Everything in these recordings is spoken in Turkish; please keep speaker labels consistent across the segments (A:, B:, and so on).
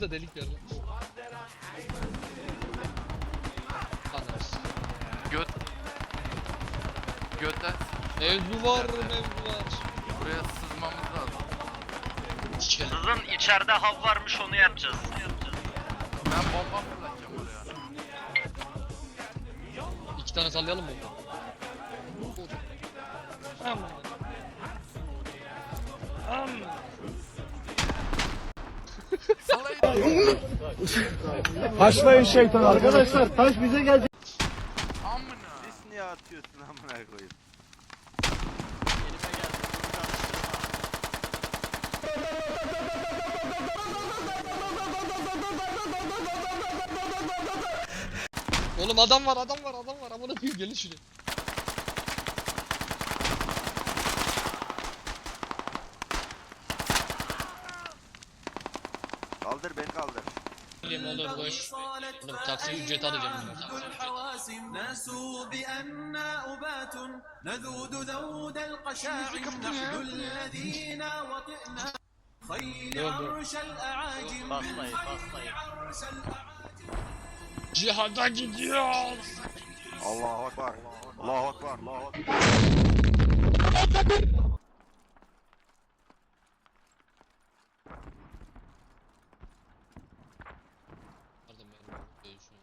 A: da delik verdi. Anlarız.
B: Götten
A: Mevzu var, mevzu var.
B: buraya sızmamız lazım.
C: Kızın içeride hav varmış, onu yapacağız.
B: Ben bomba fırlatacağım oraya.
A: 2 tane sallayalım mı?
D: Haşlayın şeytan arkadaşlar. Taş bize geldi.
B: Amına.
E: Sis niye atıyorsun amına koyayım?
A: Oğlum adam var, adam var, adam var. Amına koyayım, gelin şuraya.
E: Kaldır beni kaldır.
A: Bileyim oğlum boş. Oğlum taksi ücreti alacağım.
F: ناسوا بأننا أبات نذود ذود القشاعم نحن الذين وطئنا خيل عرش الأعاجم عرش الأعاجم.
A: Cihada gidiyor.
E: Allahu Ekber. Allahu Ekber. Allahu Ekber.
A: Pardon benim şu.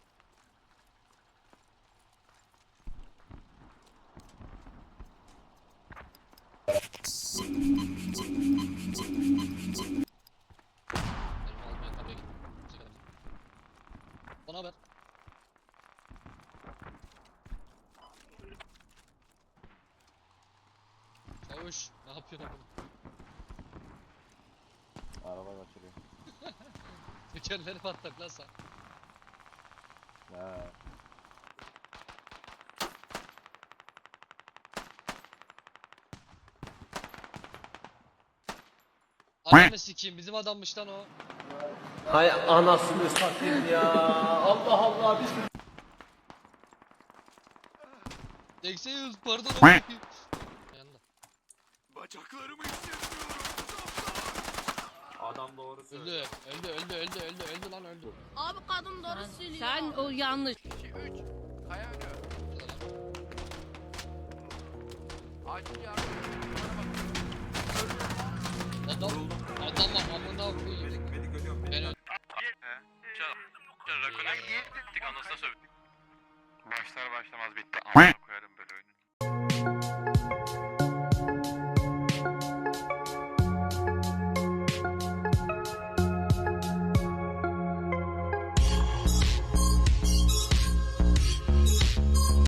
A: Benim almaya kapıya gittim. Bana ver. Çavuş, ne yapıyorsun oğlum?
E: Araba kaçırıyor.
A: Tekerleri patlak lan sen.
E: Ya.
A: Ananı sikeyim, bizim adammış lan o.
D: Hay anasını satayım ya. Allah Allah biz.
A: Eksiyiz, pardon. Yanında.
B: Bacaklarımı hissetmiyorum.
D: Adam doğru söylüyor.
A: Öldü lan öldü.
G: Abi kadın doğru söylüyor. Sen o yanlış.
B: 2 3 Kaya önü. Acil yardım.
A: Adam amına koyayım. Ben öldüm.
C: Rakona gittik, anasına sövdük.
E: Başlar başlamaz bitti. Amına koyarım böyle oyunu.